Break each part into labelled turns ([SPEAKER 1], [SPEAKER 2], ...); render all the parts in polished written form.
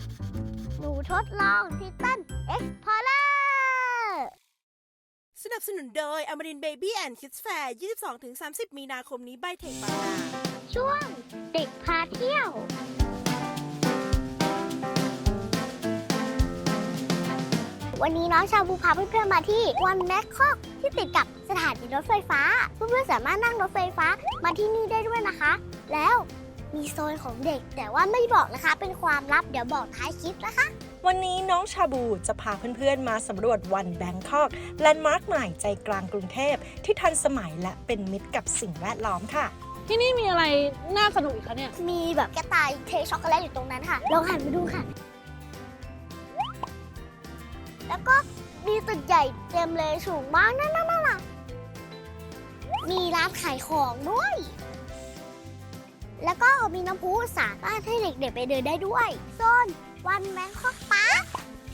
[SPEAKER 1] หนูทดลองทิตันเอ็กซ์พอร์เลอร์
[SPEAKER 2] สนับสนุนโดยอมรินทร์เบบี้แอนด์คิดส์แฟร์ 22-30 มีนาคมนี้ใบเทคบางนา
[SPEAKER 1] ช่วงเด็กพาเที่ยววันนี้น้องชาบูพาเพื่อนๆมาที่วันแมคคอกที่ติดกับสถานีรถไฟฟ้าเพื่อนๆสามารถนั่งรถไฟฟ้ามาที่นี่ได้ด้วยนะคะ แล้วมีโซนของเด็กแต่ว่าไม่บอกนะคะเป็นความลับเดี๋ยวบอกท้ายคลิปนะคะ
[SPEAKER 3] วันนี้น้องชาบูจะพาเพื่อนๆมาสำรวจวันแบงคอกแลนด์มาร์คใหม่ใจกลางกรุงเทพที่ทันสมัยและเป็นมิตรกับสิ่งแวดล้อมค่ะ
[SPEAKER 4] ที่นี่มีอะไรน่าสนุกอีกคะเนี่ย
[SPEAKER 1] มีแบบกระต่ายเทช็อกโกแลตอยู่ตรงนั้นค่ะลองหันไปดูค่ะแล้วก็มีตึกใหญ่เต็มเลยสูงมากนั่นมีร้านขายของด้วยแล้วก็มีน้ำพุสามารถให้เด็กๆไปเดินได้ด้วยโซนวันแบงคอกพาร์ค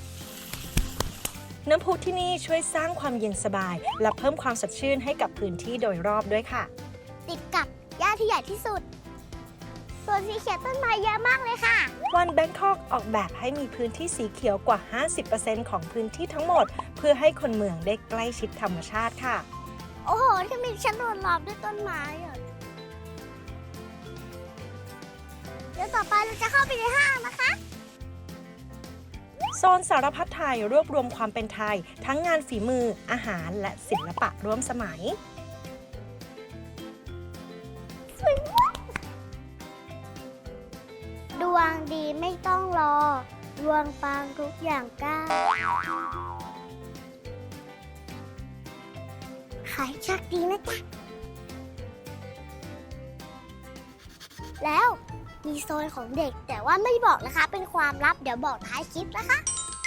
[SPEAKER 3] น้ำพุที่นี่ช่วยสร้างความเย็นสบายและเพิ่มความสดชื่นให้กับพื้นที่โดยรอบด้วยค่ะ
[SPEAKER 1] ติดกับหญ้าที่ใหญ่ที่สุดส่วนสีเขียวต้นไม้เยอะมากเลยค่ะ
[SPEAKER 3] วันแบงคอกออกแบบให้มีพื้นที่สีเขียวกว่า 50% ของพื้นที่ทั้งหมดเพื่อให้คนเมืองได้ใกล้ชิดธรรมชาติค่ะ
[SPEAKER 1] โอ้โหที่มีชั้นโดนล้อมด้วยต้นไม้เดี๋ยวต่อไปเราจะเข้าไปในห้างนะคะ
[SPEAKER 3] โซนสารพัดไทยรวบรวมความเป็นไทยทั้งงานฝีมืออาหารและศิลปะร่วมสมัย
[SPEAKER 1] ดวงดีไม่ต้องรอดวงปังทุกอย่างก้าวขายโชคดีนะจ๊ะแล้วมีโซนของเด็กแต่ว่าไม่บอกนะคะเป็นความลับเดี๋ยวบอกท้ายคลิปนะคะ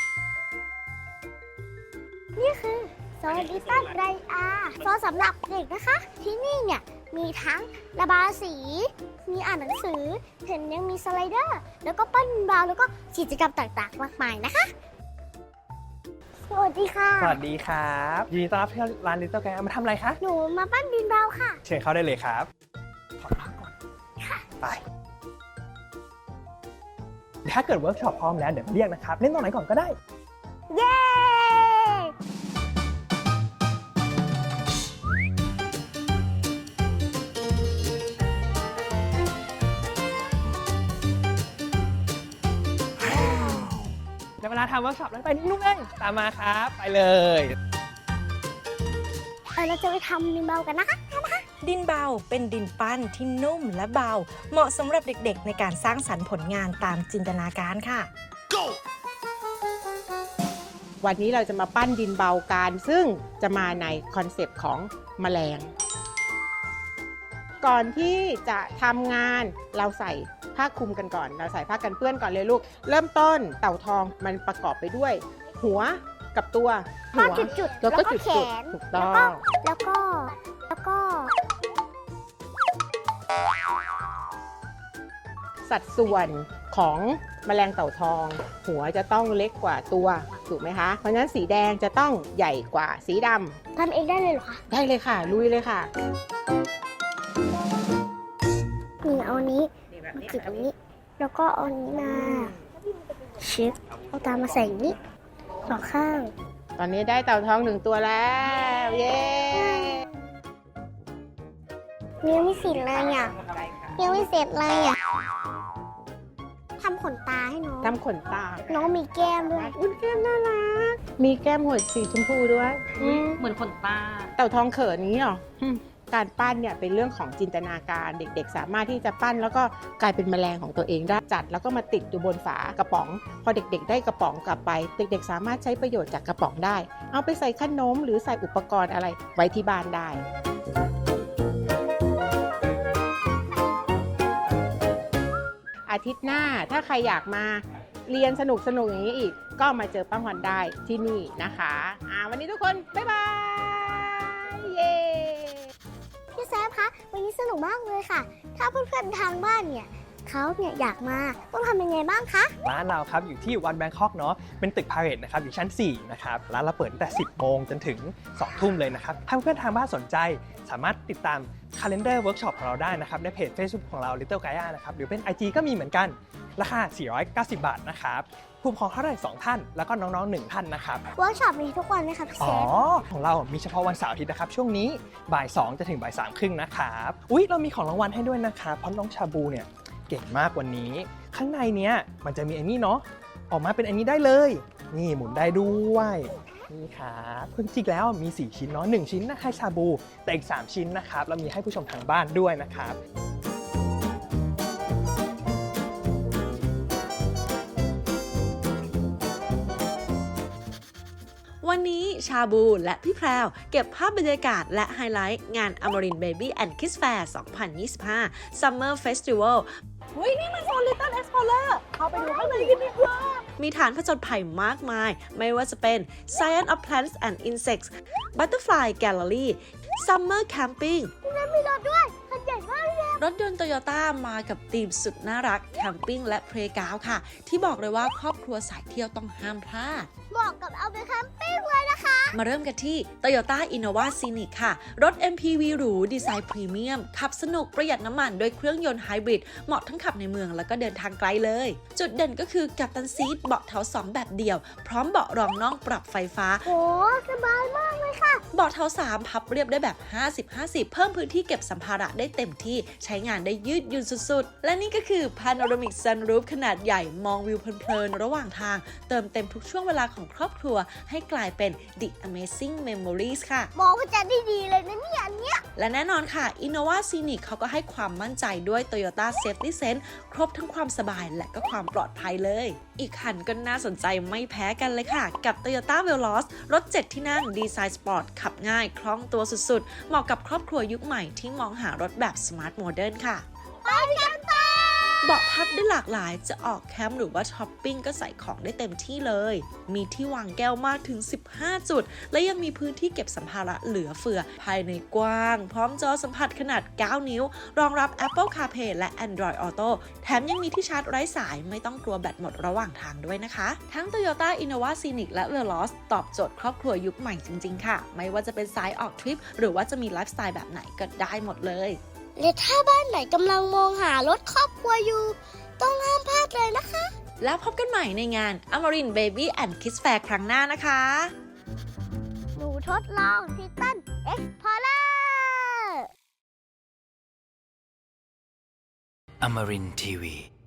[SPEAKER 1] นี่คือโซนดิจิตอลไรอาโซนสำหรับเด็กนะคะที่นี่เนี่ยมีทั้งระบายสีมีอ่านหนังสือเห็นยังมีสไลเดอร์แล้วก็ปั้นบาวแล้วก็กิจกรรมต่างๆมากมายนะคะสวัสดีค่ะ
[SPEAKER 5] สวัสดีครับยินดีต้อนรับที่ร้าน Little Gang มาทำอะไรคะ
[SPEAKER 1] หนูมาปั้นดินบาวค่ะ
[SPEAKER 5] เชิญเข้าได้เลยครับขอพักก่อนไปถ้าเกิดเวิร์กช็อปพร้อมแล้วเดี๋ยวมาเรียกนะครับเล่นตรงไหนก่อนก็ได้
[SPEAKER 1] เย้
[SPEAKER 5] ในเวลาทำเวิร์กช็อปแล้วไปนิ่งๆเลยตามมาครับไปเลย
[SPEAKER 1] เราจะไปทำดินบาวกันนะคะ
[SPEAKER 3] ดินเบาเป็นดินปั้นที่นุ่มและเบาเหมาะสำหรับเด็กๆในการสร้างสรรค์ผลงานตามจินตนาการค่ะ Go!
[SPEAKER 6] วันนี้เราจะมาปั้นดินเบากันซึ่งจะมาในคอนเซปต์ของแมลงก่อนที่จะทำงานเราใส่ผ้าคลุมกันก่อนเราใส่ผ้ากันเปื้อนก่อนเลยลูกเริ่มต้นเต่าทองมันประกอบไปด้วยหัวกับตัว
[SPEAKER 1] หัวจุดๆแล้วก็แขน
[SPEAKER 6] ถูกต้อง
[SPEAKER 1] แล้วก็
[SPEAKER 6] สัดส่วนของแมลงเต่าทองหัวจะต้องเล็กกว่าตัวถูกไหมคะเพราะฉะนั้นสีแดงจะต้องใหญ่กว่าสีด
[SPEAKER 1] ำทำเองได้เลยเหรอคะ
[SPEAKER 6] ได้เลยค่ะลุยเลยค่ะ
[SPEAKER 1] นี่เอานี้มาจิบตรงนี้แล้วก็เอานี้มาชิปเอาตามมาใส่นี้สองข้าง
[SPEAKER 6] ตอนนี้ได้เต่าทอง1ตัวแล้วเย้
[SPEAKER 1] ยังไม่เสร็จเลยอ่ะยังไม่เสร็จเลยอ่ะทำขนตาให้น้อง
[SPEAKER 6] ทำขนตา
[SPEAKER 1] น้องมีแก้มด้วย
[SPEAKER 6] แก้มน่ารักมีแก้มหัวสีชมพูด้วย
[SPEAKER 4] เหมือนขนตา
[SPEAKER 6] เต่าทองเขินนี้หรอการปั้นเนี่ยเป็นเรื่องของจินตนาการเด็กๆสามารถที่จะปั้นแล้วก็กลายเป็นแมลงของตัวเองได้จัดแล้วก็มาติดอยู่บนฝากระป๋องพอเด็กๆได้กระป๋องกลับไปเด็กๆสามารถใช้ประโยชน์จากกระป๋องได้เอาไปใส่ขนมหรือใส่อุปกรณ์อะไรไว้ที่บ้านได้อาทิตย์หน้าถ้าใครอยากมาเรียนสนุกอย่างนี้อีกก็มาเจอป้าฮอนได้ที่นี่นะคะวันนี้ทุกคนบ๊ายบายเย้
[SPEAKER 1] พี่แซมคะวันนี้สนุกมากเลยค่ะถ้าเพื่อนๆทางบ้านเนี่ยเขาเนี่ยอยากมาต้องทำยังไงบ้างคะ
[SPEAKER 5] ร้านเราครับอยู่ที่วันแบงคอกเนาะเป็นตึกพาเรตนะครับอยู่ชั้น 4 นะครับร้านเราเปิดตั้งแต่ 10 โมงจนถึง 2 ทุ่มเลยนะครับถ้าเพื่อนๆทางบ้านสนใจสามารถติดตาม Calendar Workshop ของเราได้นะครับในเพจ Facebook ของเรา Little Gaia นะครับหรือเป็น IG ก็มีเหมือนกันราคา 490 บาทนะครับผู้ปกครองเท่าไหร่2 ท่านแล้วก็น้องๆ1 ท่านนะครับ
[SPEAKER 1] เวิร์กช็อปมีทุกวันไหมคะพี่เซ
[SPEAKER 5] อ๋อ
[SPEAKER 1] ฟ
[SPEAKER 5] ของเรามีเฉพาะวันเสาร์อาทิตย์นะครับช่วงนี้บ่าย 2 จะถึงบ่าย 3 ครึ่งนะครับอุ๊ยเรามีของรางวัลให้ด้วยนะครับเพราะน้องชาบูเนี่ยเก่งมากวันนี้ข้างในเนี้ยมันจะมีไอ้นี่เนาะออกมาเป็นอันนี้ได้เลยนี่หมุนได้ด้วยนี่ครับจริงๆแล้วมี4ชิ้นเนาะ1ชิ้นนะให้ชาบูแต่อีก3ชิ้นนะครับเรามีให้ผู้ชมทางบ้านด้วยนะครับ
[SPEAKER 3] วันนี้ชาบูและพี่แพรวเก็บภาพบรรยากาศและไฮไลท์งาน Amarin Baby and Kids Fair 2025 Summer Festival
[SPEAKER 4] เฮ้ย นี่มันโซน Little Explorer เข้าไปดูข้างในกันดีกว่า
[SPEAKER 3] มีฐานผจญภัยมากมาย ไม่ว่าจะเป็น Science of Plants and Insects Butterfly Gallery Summer Camping
[SPEAKER 1] มีรถด้วยคันใหญ่มากเลย
[SPEAKER 3] รถยนต์โตโยต้ามากับธีมสุดน่ารักแคมปิ้งและเพลย์กราวด์ค่ะ ที่บอกเลยว่าครอบครัวสายเที่ยวต้องห้ามพลาด
[SPEAKER 1] เหมาะกับเอาไปแคมปิ้งเลยนะคะ
[SPEAKER 3] มาเริ่มกันที่ Toyota Innova Scenic ค่ะ รถ MPV หรูดีไซน์พรีเมียม ขับสนุกประหยัดน้ำมันด้วยเครื่องยนต์ไฮบริด เหมาะทั้งขับในเมืองแล้วก็เดินทางไกลเลย จุดเด่นก็คือกัปตันซีทเบาะเท้า2แบบเดียว พร้อมเบาะรองน่องปรับไฟฟ้า
[SPEAKER 1] โหสบายมากเลยค่ะ
[SPEAKER 3] เบาะเท้า3พับเรียบได้แบบ 50-50 เพิ่มพื้นที่เก็บสัมภาระได้เต็มที่ใช้งานได้ยืดหยุ่นสุดๆ และนี่ก็คือ Panoramic Sunroof ขนาดใหญ่มองวิวเพลินๆ ระหว่างทาง เติมเต็มทุกช่วงเวลาของครอบครัวให้กลายเป็น The Amazing Memories ค่ะ
[SPEAKER 1] มองก็จะได้ดีเลยนะเนี่ยอันเนี้ย
[SPEAKER 3] และแน่นอนค่ะ Innova Scenic เขาก็ให้ความมั่นใจด้วย Toyota Safety Sense ครบทั้งความสบายและก็ความปลอดภัยเลย อีกคันก็น่าสนใจไม่แพ้กันเลยค่ะ กับ Toyota Veloz รถ 7 ที่นั่งดีไซน์สปอร์ตขับง่ายคล่องตัวสุดๆ เหมาะกับครอบครัวยุคใหม่ที่มองหารถแบบ Smart Modern ค่ะ เบาะพับได้หลากหลายจะออกแคมป์หรือว่าช้อปปิ้งก็ใส่ของได้เต็มที่เลย มีที่วางแก้วมากถึง 15 จุด และยังมีพื้นที่เก็บสัมภาระเหลือเฟือ ภายในกว้าง พร้อมจอสัมผัสขนาด 9 นิ้ว รองรับ Apple CarPlay และ Android Auto แถมยังมีที่ชาร์จไร้สายไม่ต้องกลัวแบตหมดระหว่างทางด้วยนะคะ ทั้ง Toyota Innova Scenic และ Veloz ตอบโจทย์ครอบครัวยุคใหม่จริงๆค่ะ ไม่ว่าจะเป็นสายออกทริปหรือว่าจะมีไลฟ์สไตล์แบบไหนก็ได้หมดเลย
[SPEAKER 1] และถ้าบ้านไหนกำลังมองหารถครอบครัวอยู่ ต้องห้ามพลาดเลยนะคะ
[SPEAKER 3] แล้วพบกันใหม่ในงาน Amarin Baby and Kids Fair ครั้งหน้านะคะ
[SPEAKER 1] หนูทดลองทิตันเอ็กซ์พอร์เลอร์
[SPEAKER 7] Amarin Tiwi.